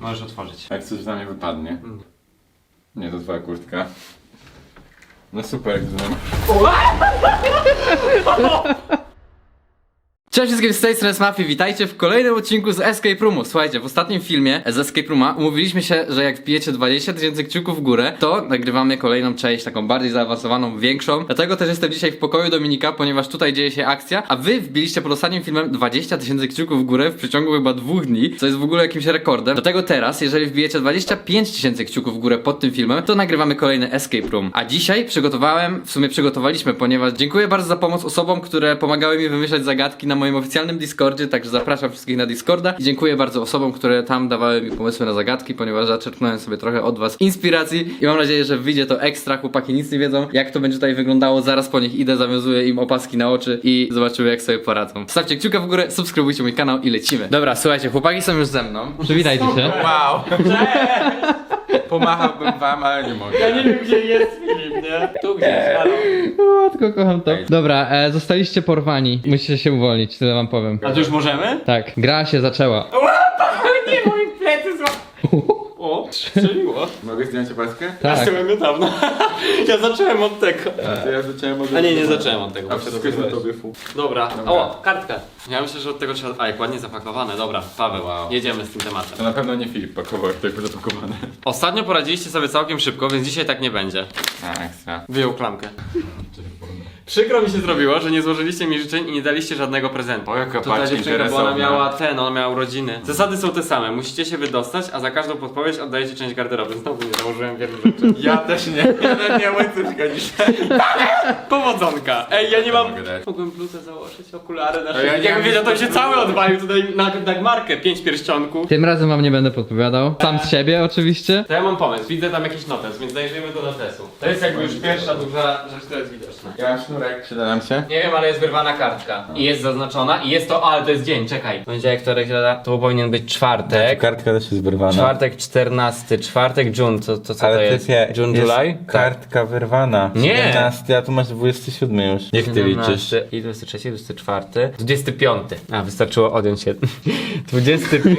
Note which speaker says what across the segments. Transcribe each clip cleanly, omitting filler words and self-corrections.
Speaker 1: Możesz otworzyć.
Speaker 2: Jak coś na mnie wypadnie. Nie, to twoja kurtka. No super, jak to
Speaker 3: Cześć wszystkim, z tej strony Mafii, witajcie w kolejnym odcinku z Escape Roomu. Słuchajcie, w ostatnim filmie z Escape Rooma umówiliśmy się, że jak wbijecie 20 000 kciuków w górę, to nagrywamy kolejną część, taką bardziej zaawansowaną, większą. Dlatego też jestem dzisiaj w pokoju Dominika, ponieważ tutaj dzieje się akcja, a wy wbiliście pod ostatnim filmem 20 000 kciuków w górę w przeciągu chyba 2 dni, co jest w ogóle jakimś rekordem. Dlatego teraz, jeżeli wbijecie 25 000 kciuków w górę pod tym filmem, to nagrywamy kolejny Escape Room. A dzisiaj przygotowaliśmy, ponieważ dziękuję bardzo za pomoc osobom, które pomagały mi wymyślać zagadki na moim oficjalnym Discordzie, także zapraszam wszystkich na Discorda i dziękuję bardzo osobom, które tam dawały mi pomysły na zagadki, ponieważ zaczerpnąłem sobie trochę od was inspiracji i mam nadzieję, że wyjdzie to ekstra. Chłopaki nic nie wiedzą, jak to będzie tutaj wyglądało, zaraz po nich idę, zawiązuję im opaski na oczy i zobaczymy, jak sobie poradzą. Stawcie kciuka w górę, subskrybujcie mój kanał i lecimy. Dobra, słuchajcie, chłopaki są już ze mną. Przywitajcie się.
Speaker 2: Wow! Pomachałbym wam, ale nie mogę.
Speaker 1: Ja nie wiem, gdzie jest Filip, nie? Tu gdzieś, halo.
Speaker 3: O, tylko kocham to. Dobra, zostaliście porwani. Musicie się uwolnić, tyle wam powiem.
Speaker 1: A to już możemy?
Speaker 3: Tak, gra się zaczęła.
Speaker 1: Nie, moje plecy zła... O, strzeliło.
Speaker 2: Mogę zdjąć opaskę?
Speaker 1: Ja
Speaker 3: Tak.
Speaker 1: byłem niedawno. Ja zacząłem od tego.
Speaker 2: To ja zacząłem od...
Speaker 1: A nie zacząłem od tego.
Speaker 2: A
Speaker 1: bo się
Speaker 2: wszystko jest na
Speaker 1: rozwiązałeś.
Speaker 2: tobie, fu.
Speaker 1: Dobra.
Speaker 2: Dobra.
Speaker 1: O, kartka. Ja myślę, że od tego trzeba... A, jak ładnie zapakowane. Dobra, Paweł,
Speaker 2: Wow.
Speaker 1: jedziemy z tym tematem.
Speaker 2: To na pewno nie Filip pakował, jak tylko zapakowane.
Speaker 1: Ostatnio poradziliście sobie całkiem szybko, więc dzisiaj tak nie będzie.
Speaker 2: A, ekstra.
Speaker 1: Wyjął klamkę. Przykro mi się zrobiło, że nie złożyliście mi życzeń i nie daliście żadnego prezentu.
Speaker 2: O, jaka
Speaker 1: To ta
Speaker 2: patrz
Speaker 1: dziewczynka, bo ona
Speaker 2: interesowna.
Speaker 1: ona miała urodziny. Zasady są te same, musicie się wydostać, a za każdą podpowiedź oddajecie część garderoby. Znowu nie założyłem wielu rzeczy.
Speaker 2: Ja też nie. Ja nawet nie łańcuszka dzisiaj.
Speaker 1: Powodzonka! Ej, ja nie mam...
Speaker 2: Mogę dać.
Speaker 1: Mogłem bluzę założyć, okulary na
Speaker 2: ja
Speaker 1: szyję.
Speaker 2: nie
Speaker 1: Jakbym
Speaker 2: mam
Speaker 1: wiedział, to
Speaker 2: nic
Speaker 1: się cały odwalił tutaj na Dagmarkę. 5 pierścionków.
Speaker 3: Tym razem wam nie będę podpowiadał. Sam z siebie oczywiście.
Speaker 1: To ja mam pomysł, widzę tam jakiś notes, więc zajrzyjmy do notesu. To jest jakby już pierwsza duża rzecz, która jest widoczna.
Speaker 2: Ja mam sznurek, przyda nam się?
Speaker 1: Nie wiem, ale jest wyrwana kartka. I jest zaznaczona i jest to, ale to jest dzień, czekaj. Poniedziałek, wtorek, środa, to powinien być czwartek.
Speaker 2: Kartka też jest wyrwana.
Speaker 1: Czwartek 14, czwartek June, co to jest? June, July?
Speaker 2: Kartka wyrwana.
Speaker 1: Nie.
Speaker 2: 17, a tu masz 27 już. Niech ty liczysz.
Speaker 1: I 23, 24, 25. A, wystarczyło odjąć się. 25.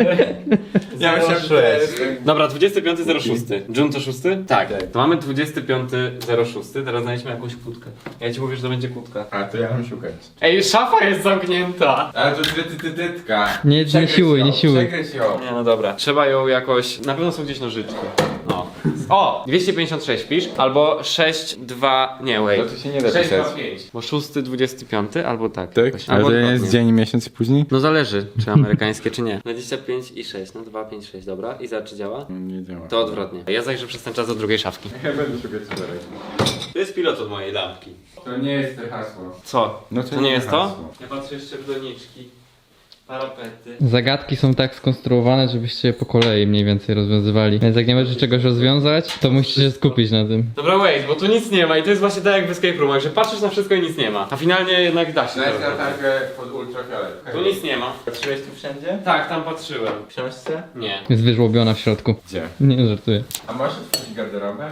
Speaker 2: Ja myślałem, że to jest-
Speaker 1: Dobra, 25.06. June to 6? Tak. To mamy 25.06. Teraz znaleźliśmy jakąś kłódkę. Ja ci mówię, że to będzie kłódka.
Speaker 2: A, to ja mam szukać.
Speaker 1: Ej, szafa jest zamknięta!
Speaker 2: Ale to tytytytytka.
Speaker 3: Nie siłuj, nie siłuj.
Speaker 2: Przegryź ją.
Speaker 1: Nie, no dobra. Trzeba ją jakoś... Na pewno są gdzieś nożyczki. No. O! 256 pisz, albo 6, 2... Nie, wait.
Speaker 2: No to się nie da
Speaker 1: 6, 2,
Speaker 2: pisać.
Speaker 1: 5. Bo 6, 25, albo tak.
Speaker 2: Tak?
Speaker 1: Jakoś.
Speaker 2: Ale
Speaker 1: Albo
Speaker 2: to jest
Speaker 1: odwrotnie.
Speaker 2: dzień, miesiąc i później?
Speaker 1: No zależy, czy amerykańskie, czy nie. 25 i 6, no 2, 5, 6, dobra. I za czy działa?
Speaker 2: Nie działa.
Speaker 1: To odwrotnie. Ja zajrzę przez ten czas do drugiej szafki.
Speaker 2: Ja będę szukać czterech.
Speaker 1: To jest pilot od mojej lampki.
Speaker 2: To nie jest to hasło.
Speaker 1: Co?
Speaker 2: No
Speaker 1: To nie jest to?
Speaker 2: hasło.
Speaker 1: Ja patrzę jeszcze w doniczki. Parapety.
Speaker 3: Zagadki są tak skonstruowane, żebyście je po kolei mniej więcej rozwiązywali. Więc jak nie możecie czegoś rozwiązać, to musicie się skupić na tym.
Speaker 1: Dobra, wait, bo tu nic nie ma i to jest właśnie tak jak w Escape Roomach, że patrzysz na wszystko i nic nie ma. A finalnie jednak da się.
Speaker 2: Znajdź
Speaker 1: to robić.
Speaker 2: latarkę pod ultrafiolet.
Speaker 1: Tu nic nie ma.
Speaker 2: Patrzyłeś tu wszędzie?
Speaker 1: Tak, tam patrzyłem.
Speaker 2: W książce?
Speaker 1: Nie.
Speaker 3: Jest wyżłobiona w środku.
Speaker 2: Gdzie?
Speaker 3: Nie żartuję.
Speaker 2: A możesz otworzyć garderobę?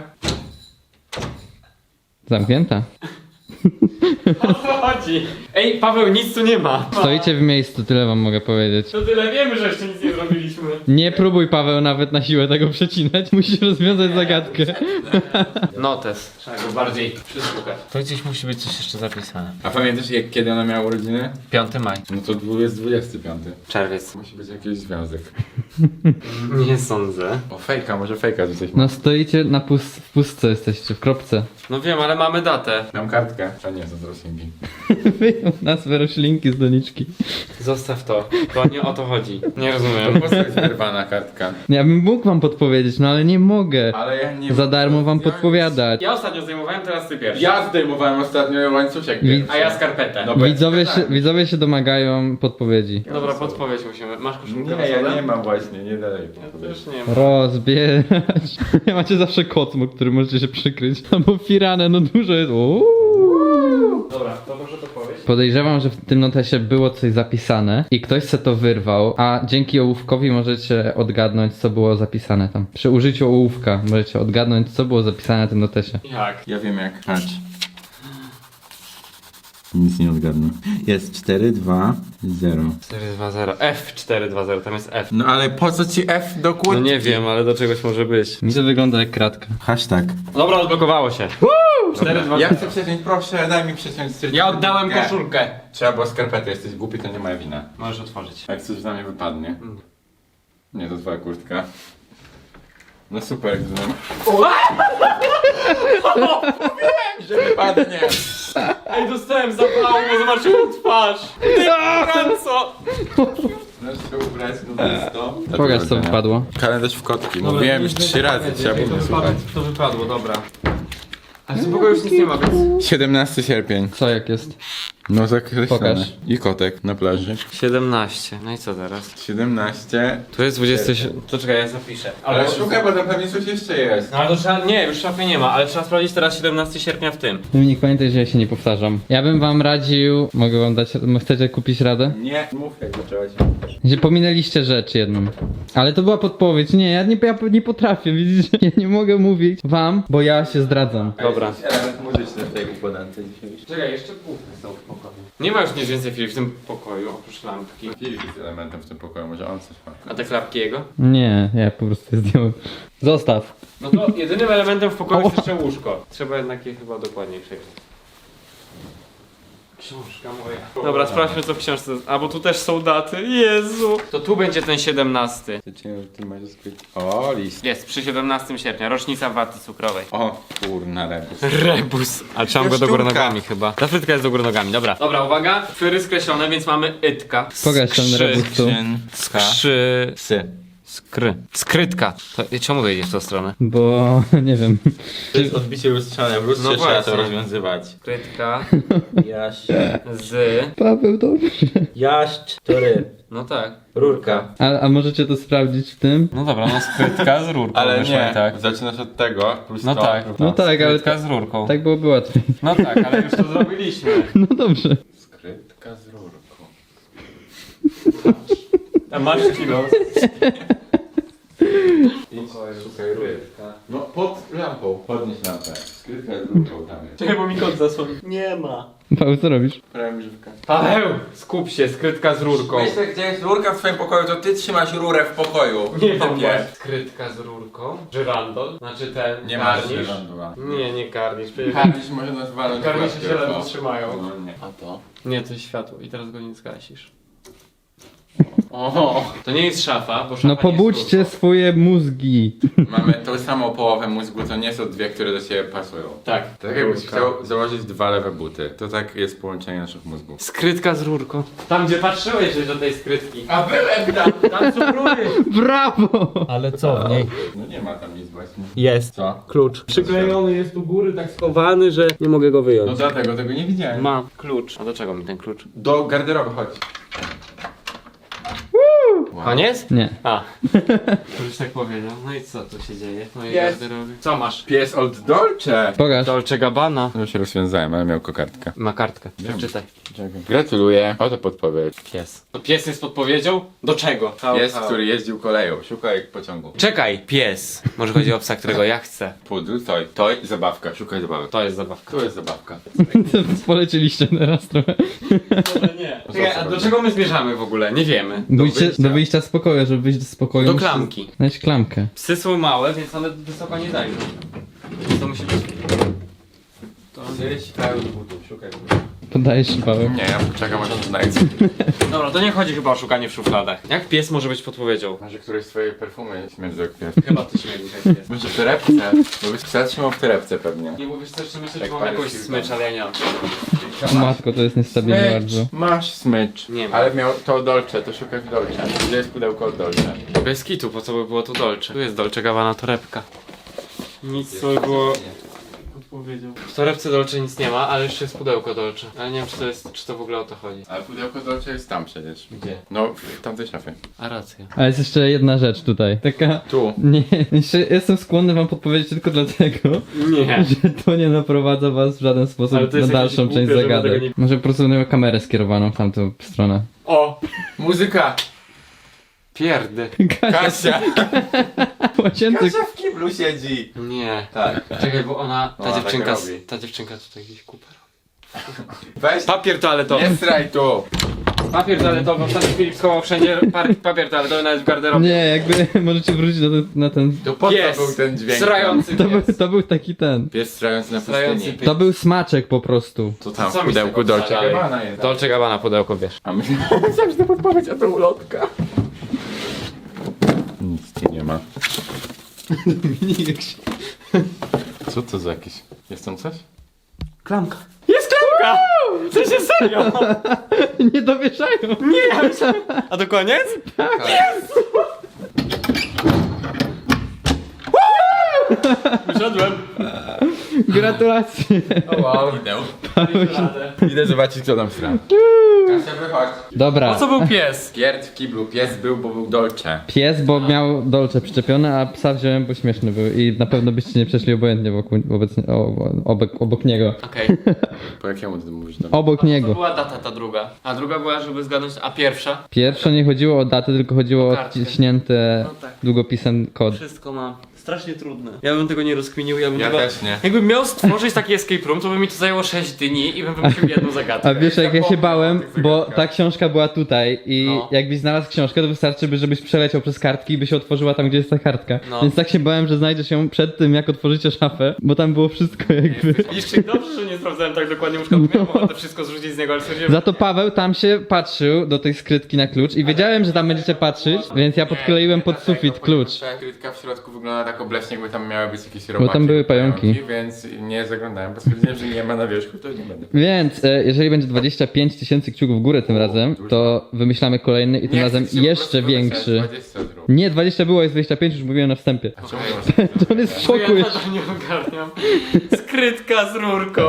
Speaker 3: Zamknięta.
Speaker 1: O co chodzi? Ej, Paweł, nic tu nie ma.
Speaker 3: Stoicie w miejscu, tyle wam mogę powiedzieć.
Speaker 1: To tyle wiemy, że jeszcze nic nie zrobiliśmy.
Speaker 3: Nie próbuj, Paweł, nawet na siłę tego przecinać. Musisz rozwiązać zagadkę.
Speaker 1: Notes. Trzeba go bardziej przysłuchać. To gdzieś musi być coś jeszcze zapisane.
Speaker 2: A pamiętasz kiedy ona miała urodziny?
Speaker 1: 5 maj.
Speaker 2: No to jest 25.
Speaker 1: Czerwiec.
Speaker 2: Musi być jakiś związek.
Speaker 1: Nie sądzę.
Speaker 2: O fejka, może fejka tu coś ma.
Speaker 3: No stoicie na w pustce jesteście, w kropce.
Speaker 1: No wiem, ale mamy datę.
Speaker 2: Mam kartkę. A nie, to roślinki.
Speaker 3: Wyjął nazwę roślinki z doniczki.
Speaker 1: Zostaw to. To nie o to chodzi. Nie
Speaker 2: To
Speaker 1: rozumiem.
Speaker 2: po prostu jest wyrwana kartka.
Speaker 3: Ja bym mógł wam podpowiedzieć, no ale nie mogę.
Speaker 2: Ale ja nie...
Speaker 3: Za darmo wam podpowiadać.
Speaker 1: Ja ostatnio zdejmowałem, teraz ty pierwszy.
Speaker 2: Ja zdejmowałem ostatnio łańcuszek.
Speaker 3: Wi-
Speaker 1: A ja skarpetę.
Speaker 2: No bo-
Speaker 3: Widzowie się domagają podpowiedzi.
Speaker 1: Dobra, podpowiedź musimy. Masz koszulkę
Speaker 2: Nie, ja nie mam właśnie, nie dalej.
Speaker 1: Ja też nie mam.
Speaker 3: Rozbierać. Macie zawsze kocmo, który możecie się przykryć. Albo firanę, no dużo jest.
Speaker 1: Dobra, to może to powiedz.
Speaker 3: Podejrzewam, że w tym notesie było coś zapisane i ktoś se to wyrwał, a dzięki ołówkowi możecie odgadnąć, co było zapisane tam. Przy użyciu ołówka możecie odgadnąć, co było zapisane na tym notesie.
Speaker 1: Jak?
Speaker 2: Ja wiem jak. Patrz. Nic nie odgadnę. Jest 4, 2, 0.
Speaker 1: 420. F420, tam jest F.
Speaker 2: No ale po co ci F do
Speaker 1: No
Speaker 2: kurtki?
Speaker 1: nie wiem, ale do czegoś może być.
Speaker 3: Mi to wygląda jak kratka.
Speaker 2: Hashtag.
Speaker 1: Dobra, odblokowało się. 420.
Speaker 2: Ja chcę przeciąć, proszę, daj mi przeciąć.
Speaker 1: Ja oddałem koszulkę.
Speaker 2: Trzeba było skarpety, jesteś głupi, to nie moja wina.
Speaker 1: Możesz otworzyć.
Speaker 2: Jak coś na mnie wypadnie. Nie, to twoja kurtka. No super, gdybym... Wiem, że wypadnie!
Speaker 1: Ej, dostałem zapału, bo zobaczyłem twarz. Co?
Speaker 2: Możesz się ubrać no
Speaker 3: Pokaż co wypadło.
Speaker 2: Kalendarz w kotki, mówiłem już 3 razy, trzeba było mnie słuchać.
Speaker 1: To wypadło, dobra. Ale w tym pokoju już nic nie ma, więc...
Speaker 2: 17 sierpień.
Speaker 3: Co jak jest?
Speaker 2: No zakreślone.
Speaker 3: Pokaż.
Speaker 2: I kotek na plaży.
Speaker 1: 17. No i co teraz?
Speaker 2: 17.
Speaker 1: Tu jest 20... To czekaj, ja zapiszę.
Speaker 2: Ale szukaj, bo tam pewnie coś jeszcze jest.
Speaker 1: No ale to trzeba... Nie, już szafy nie ma, ale trzeba sprawdzić teraz 17 sierpnia w tym.
Speaker 3: Dominik, pamiętaj, że ja się nie powtarzam. Ja bym wam radził... Mogę wam dać... Chcecie kupić radę?
Speaker 2: Nie, mów jak zaczęłaś.
Speaker 3: Że pominęliście rzecz jedną. Ale to była podpowiedź. Nie, ja nie potrafię, widzicie? Ja nie mogę mówić wam, bo ja się zdradzam.
Speaker 1: Dobra.
Speaker 2: Element muzyczny w tej układance dzisiaj.
Speaker 1: Czekaj, jeszcze kuchnie są w pokoju. Nie ma już nic więcej Filip w tym pokoju, oprócz lampki.
Speaker 2: Filip jest elementem w tym pokoju, może on coś ma.
Speaker 1: A te klapki jego?
Speaker 3: Nie, ja po prostu je zdjąłem. Zostaw.
Speaker 1: No to jedynym elementem w pokoju jest jeszcze łóżko. Trzeba jednak je chyba dokładniej przejrzeć. Książka moja. Dobra, sprawdźmy co w książce. A bo tu też są daty. Jezu! To tu będzie ten 17.
Speaker 2: Ty masz skryć. O, list.
Speaker 1: Jest, przy 17 sierpnia, rocznica waty cukrowej.
Speaker 2: O, kurna rebus.
Speaker 1: Rebus. Ale trzymam go do góry
Speaker 2: Jaszczurka.
Speaker 1: nogami chyba. Ta frytka jest do góry nogami, dobra. Dobra, uwaga. Fyry skreślone, więc mamy ytka.
Speaker 3: Pokaż ten rebus tu.
Speaker 1: Skrzy...
Speaker 2: Psy.
Speaker 1: Skrytka. To, czemu wyjdziesz w tą stronę?
Speaker 3: Bo... nie wiem.
Speaker 2: To jest odbicie lustrzane, w lustrze
Speaker 1: No
Speaker 2: trzeba
Speaker 1: właśnie.
Speaker 2: to rozwiązywać.
Speaker 1: Skrytka
Speaker 2: Jaś.
Speaker 1: z...
Speaker 3: Paweł, dobrze.
Speaker 2: Jaść, to ryb.
Speaker 1: No tak.
Speaker 2: Rurka.
Speaker 3: A możecie to sprawdzić w tym?
Speaker 1: No dobra, no skrytka z rurką.
Speaker 2: Ale
Speaker 1: wyszła
Speaker 2: nie,
Speaker 1: i tak.
Speaker 2: zaczynasz od tego, plus
Speaker 1: No
Speaker 2: to.
Speaker 1: tak.
Speaker 3: No tak, ale
Speaker 1: Skrytka z rurką.
Speaker 3: tak byłoby łatwiej.
Speaker 1: No tak, ale już to zrobiliśmy.
Speaker 3: No dobrze.
Speaker 2: Skrytka z rurką.
Speaker 1: A masz kilo.
Speaker 2: Szukaj rurka. No pod lampą. Podnieś lampę. Skrytka z rurką tam jest.
Speaker 1: Czekaj, bo mi kot zasłoni. Nie ma.
Speaker 3: Paweł, co robisz?
Speaker 2: Prawie żywka.
Speaker 1: Paweł! Skup się, skrytka z rurką.
Speaker 2: Myślę, gdzie jest rurka w twoim pokoju, to ty trzymasz rurę w pokoju.
Speaker 1: Nie wiem,
Speaker 2: Topie.
Speaker 1: skrytka z rurką. Żyrandol. Znaczy ten
Speaker 2: Nie masz
Speaker 1: karnisz.
Speaker 2: żyrandula.
Speaker 1: Nie, nie karnisz. Przecież
Speaker 2: Karnisz może nas walnąć w
Speaker 1: karnisze
Speaker 2: łapkę,
Speaker 1: się ledwo
Speaker 2: bo-
Speaker 1: trzymają.
Speaker 2: No nie. A to?
Speaker 1: Nie, to jest światło i teraz go nie zgasisz. Oho, to nie jest szafa, bo szafa
Speaker 3: No
Speaker 1: nie
Speaker 3: pobudźcie
Speaker 1: jest
Speaker 3: swoje mózgi.
Speaker 2: Mamy tą samą połowę mózgu, to nie są dwie, które do siebie pasują.
Speaker 1: Tak.
Speaker 2: Tak jakbyś chciał założyć dwa lewe buty. To tak jest połączenie naszych mózgów.
Speaker 1: Skrytka z rurką. Tam gdzie patrzyłeś do tej skrytki.
Speaker 2: A byłem tam!
Speaker 1: Tam są rury.
Speaker 3: Brawo!
Speaker 1: Ale co w niej?
Speaker 2: No nie ma tam nic właśnie.
Speaker 1: Jest.
Speaker 2: Co?
Speaker 1: Klucz. Przyklejony jest u góry, tak schowany, że nie mogę go
Speaker 2: No
Speaker 1: wyjąć.
Speaker 2: dlatego tego nie widziałem.
Speaker 1: Mam klucz. A do czego mi ten klucz?
Speaker 2: Do garderoby chodź. Wow.
Speaker 1: Koniec?
Speaker 3: Nie.
Speaker 1: A. Już tak powiedział. No i co tu się dzieje? No i
Speaker 2: Jest.
Speaker 1: garderoby. Co masz?
Speaker 2: Pies od Dolce.
Speaker 3: Pokaż.
Speaker 1: Dolce Gabbana.
Speaker 2: No się rozwiązałem, ale miał kokardkę.
Speaker 1: Ma kartkę.
Speaker 2: Wiem.
Speaker 1: Przeczytaj.
Speaker 2: Gratuluję. Oto podpowiedź.
Speaker 1: Pies. To pies jest podpowiedzią? Do czego?
Speaker 2: Pies, który jeździł koleją. Szukaj pociągu.
Speaker 1: Czekaj, pies. Może chodzi o psa, którego ja chcę.
Speaker 2: Pudru, toj, zabawka. Szukaj zabawek.
Speaker 1: To jest zabawka.
Speaker 2: Tu jest zabawka.
Speaker 3: Polecieliście teraz trochę.
Speaker 1: Może nie. Czekaj, a do czego my zmierzamy w ogóle? Nie wiemy.
Speaker 3: Do wyjścia z pokoju, żeby wyjść z pokoju.
Speaker 1: Do
Speaker 3: musisz
Speaker 1: klamki.
Speaker 3: Znaleźć klamkę.
Speaker 1: Psy są małe, więc one wysoko nie dają. Więc to musi być... To...
Speaker 2: Gdzieś kraju do butów. Szukaj.
Speaker 3: Podajesz Paweł.
Speaker 2: Nie, ja czekam aż to znajdę.
Speaker 1: Dobra, to nie chodzi chyba o szukanie w szufladach. Jak pies może być podpowiedzią?
Speaker 2: Może któreś z twojej perfumy śmierdzi jak pies.
Speaker 1: Chyba ty śmierdzi jak pies.
Speaker 2: Może w torebce? Bo byś psa trzymał w torebce pewnie.
Speaker 1: Nie mówisz też, że myślę,
Speaker 2: Tak
Speaker 1: że mam
Speaker 2: parę
Speaker 1: jakąś
Speaker 2: chwil
Speaker 1: smycz,
Speaker 2: temu.
Speaker 1: ale ja nie mam.
Speaker 3: O matko, to jest niestabilne bardzo.
Speaker 2: Masz smycz.
Speaker 1: Nie ma.
Speaker 2: Ale miał to Dolce, to szukaj w Dolce. Gdzie jest pudełko od Dolce?
Speaker 1: Bez kitu, po co by było tu Dolce? Tu jest Dolce Gabbana torebka. Nic co by było... Odpowiedział. W torebce Dolce nic nie ma, ale jeszcze jest pudełko Dolce. Ale nie wiem czy to w ogóle o to chodzi.
Speaker 2: Ale pudełko Dolce jest tam przecież.
Speaker 1: Gdzie?
Speaker 2: No, w tamtej szafie.
Speaker 1: A racja.
Speaker 3: Ale jest jeszcze jedna rzecz tutaj. Taka...
Speaker 2: Tu.
Speaker 3: Nie, jeszcze jestem skłonny wam podpowiedzieć tylko dlatego,
Speaker 1: Nie.
Speaker 3: że to nie naprowadza was w żaden
Speaker 1: Ale
Speaker 3: sposób
Speaker 1: to
Speaker 3: na
Speaker 1: jest
Speaker 3: dalszą
Speaker 1: jakieś
Speaker 3: część
Speaker 1: głupie, żeby
Speaker 3: zagadek.
Speaker 1: tego nie-
Speaker 3: Może po prostu miał kamerę skierowaną w tamtą stronę.
Speaker 1: O!
Speaker 2: Muzyka!
Speaker 1: Pierdy.
Speaker 2: Kasia!
Speaker 3: Łazience...
Speaker 2: Kasia w kiblu siedzi!
Speaker 1: Nie.
Speaker 2: Tak.
Speaker 1: Czekaj, bo ona...
Speaker 2: Ona tak robi.
Speaker 1: Ta dziewczynka tutaj gdzieś kupę robi.
Speaker 2: Weź,
Speaker 1: Papier toaletowy.
Speaker 2: nie sraj tu.
Speaker 1: Papier toaletowy, ostatnio Filip schował wszędzie papier toaletowy, nawet w garderobie.
Speaker 3: Nie, jakby możecie wrócić na ten...
Speaker 2: To po
Speaker 1: Pies,
Speaker 2: co był ten dźwięk?
Speaker 1: srający pies.
Speaker 3: To był taki ten.
Speaker 2: Pies strający na
Speaker 1: Strający
Speaker 2: pustyni.
Speaker 1: pies.
Speaker 3: To był smaczek po prostu.
Speaker 2: To tam
Speaker 1: Co
Speaker 2: w
Speaker 1: mi z
Speaker 2: pudełku
Speaker 1: tego
Speaker 2: Dolce
Speaker 1: wsadzają?
Speaker 2: Gabbana jest.
Speaker 1: Dolce Gabbana pudełko, wiesz.
Speaker 2: A myślałem, że to podpowiedź, a to ulotka. Nic ci nie ma. Co to za jakieś... Jest tam coś?
Speaker 1: Klamka. Jest klamka! W sensie serio!
Speaker 3: Nie dowieszają.
Speaker 1: A to koniec? Wyszedłem.
Speaker 3: Gratulacje.
Speaker 2: O wow. Idę zobaczyć, co tam sra. Kasia, wychodź.
Speaker 3: Dobra.
Speaker 1: Po co był pies?
Speaker 2: Pierd w kiblu. Pies był, bo był Dolce.
Speaker 3: Pies, bo miał dolce przyczepione, a psa wziąłem, bo śmieszny był i na pewno byście nie przeszli obojętnie obok niego.
Speaker 1: Okej.
Speaker 2: Po jakiemu ty mówisz do
Speaker 3: Obok
Speaker 1: To
Speaker 3: niego.
Speaker 1: była data ta druga. A druga była, żeby zgadnąć, a pierwsza?
Speaker 3: Pierwsze nie chodziło o datę, tylko chodziło o
Speaker 1: kartkę.
Speaker 3: odciśnięte
Speaker 1: No tak.
Speaker 3: długopisem kod.
Speaker 1: Wszystko mam. Strasznie trudne. Ja bym tego nie rozkminił, ja bym
Speaker 2: Ja
Speaker 1: chyba...
Speaker 2: też nie.
Speaker 1: Jakbym miał stworzyć taki escape room, to by mi to zajęło 6 dni i bym wymyślił jedną zagadkę.
Speaker 3: A wiesz jak ja się
Speaker 2: zapomniał
Speaker 3: bałem,
Speaker 2: o tych
Speaker 3: bo
Speaker 2: zagadkach.
Speaker 3: ta książka była tutaj i
Speaker 1: No.
Speaker 3: jakbyś znalazł książkę, to wystarczy, żebyś przeleciał przez kartki i by się otworzyła tam, gdzie jest ta kartka.
Speaker 1: No.
Speaker 3: Więc tak się bałem, że znajdziesz ją przed tym, jak otworzycie szafę, bo tam było wszystko jakby.
Speaker 1: Widzisz, Krzyk, dobrze, że nie sprawdzałem tak dokładnie łóżka, bo miałem ochotę wszystko zrzucić z niego, ale stwierdziłem,
Speaker 3: Za to Paweł tam się patrzył do tej skrytki na klucz i wiedziałem, że tam będziecie patrzeć, więc ja podkleiłem pod sufit klucz.
Speaker 2: Ta krytka w środku wygląda tak obleśnie, jakby tam miały być jakieś robaki.
Speaker 3: tam były pająki.
Speaker 2: Więc nie zaglądałem, bo stwierdziłem, że nie ma na wierzchu, to nie będę.
Speaker 3: Więc jeżeli będzie 25 tysięcy kciuków w górę tym razem, to wymyślamy kolejny i tym
Speaker 2: Nie
Speaker 3: razem
Speaker 2: chcę się po
Speaker 3: jeszcze
Speaker 2: prostu
Speaker 3: większy.
Speaker 2: wysłać, 20 zrób.
Speaker 3: Nie, 20 było, jest 25, już mówiłem na wstępie.
Speaker 2: A czemu nie masz?
Speaker 3: To on jest w
Speaker 1: ja
Speaker 3: szoku
Speaker 1: nadal
Speaker 3: jeszcze.
Speaker 1: nie ogarniam. Skrytka z rurką.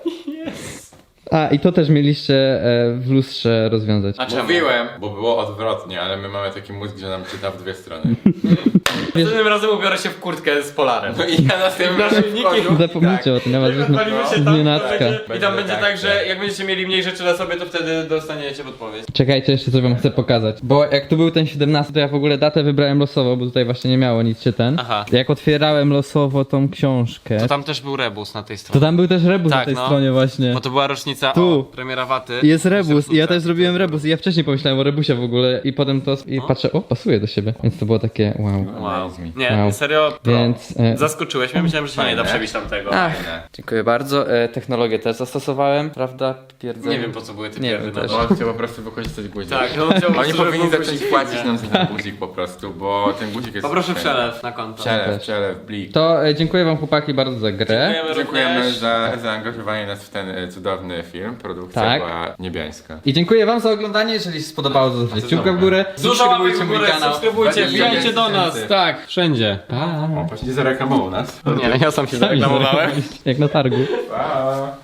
Speaker 3: A, i to też mieliście w lustrze rozwiązać.
Speaker 1: A czemu?
Speaker 2: Mówiłem, bo było odwrotnie, ale my mamy taki mózg, że nam czyta w dwie strony.
Speaker 1: Następnym razem ubiorę się w kurtkę z polarem.
Speaker 2: No i ja następnym razem
Speaker 1: Naszyjniki.
Speaker 2: wchodzę.
Speaker 3: Zapomnijcie o tym, ja was
Speaker 1: Jak odpalimy się tam, to
Speaker 3: nienacka.
Speaker 1: będzie, i tam
Speaker 2: Będzie
Speaker 1: będzie
Speaker 2: tak,
Speaker 1: tak, że
Speaker 2: tak.
Speaker 1: jak będziecie mieli mniej rzeczy na sobie, to wtedy dostaniecie podpowiedź.
Speaker 3: Czekajcie, jeszcze coś wam chcę pokazać. Bo jak tu był ten 17, to ja w ogóle datę wybrałem losowo, bo tutaj właśnie nie miało nic się ten.
Speaker 1: Aha.
Speaker 3: Jak otwierałem losowo tą książkę,
Speaker 1: To tam też był rebus na tej
Speaker 3: to
Speaker 1: stronie.
Speaker 3: tam był też rebus
Speaker 1: Tak,
Speaker 3: na tej
Speaker 1: no.
Speaker 3: stronie właśnie.
Speaker 1: Bo to była rocznica
Speaker 3: Tu.
Speaker 1: premiera Waty.
Speaker 3: Jest rebus i ja też zrobiłem rebus i ja wcześniej pomyślałem o rebusie w ogóle i potem to i patrzę, o, pasuje do siebie. Więc to było takie wow.
Speaker 1: Wow.
Speaker 2: Nice.
Speaker 1: Nie,
Speaker 3: Wow.
Speaker 1: serio, pro.
Speaker 3: Więc
Speaker 1: Zaskoczyłeś mnie, myślałem, że się nie da
Speaker 2: Fajne.
Speaker 1: przebić tamtego.
Speaker 2: Fajne.
Speaker 3: dziękuję bardzo. Technologię też zastosowałem, prawda? Twierdzę.
Speaker 1: Nie wiem, po co były te
Speaker 3: Nie
Speaker 1: pierdy
Speaker 3: wiem
Speaker 1: na
Speaker 3: też.
Speaker 1: to.
Speaker 2: On chciał po prostu wykorzystać guzik.
Speaker 1: Tak, no chciałbym,
Speaker 2: Oni
Speaker 1: żeby
Speaker 2: powinni
Speaker 1: był
Speaker 2: zacząć
Speaker 1: guzik.
Speaker 2: płacić
Speaker 1: Nie.
Speaker 2: nam za ten guzik po prostu, bo ten guzik jest...
Speaker 1: Poproszę
Speaker 2: fajny.
Speaker 1: przelew na konto.
Speaker 2: Przelew, blik.
Speaker 3: To dziękuję wam chłopaki bardzo za grę.
Speaker 2: Dziękujemy
Speaker 1: również.
Speaker 2: za zaangażowanie nas w ten cudowny film. Produkcja
Speaker 3: Tak.
Speaker 2: była niebiańska.
Speaker 3: I dziękuję wam za oglądanie, jeżeli się spodobało, to zostawcie kciuka w górę.
Speaker 1: Dużo łapek w
Speaker 3: Subskrybujcie mój
Speaker 1: górę,
Speaker 3: kanał.
Speaker 1: subskrybujcie, wbijajcie do nas.
Speaker 2: 20 000.
Speaker 1: Tak, wszędzie.
Speaker 2: O, właśnie zareklamował nas.
Speaker 1: Nie, ja sam się zareklamowałem.
Speaker 3: Jak na targu.
Speaker 2: Pa!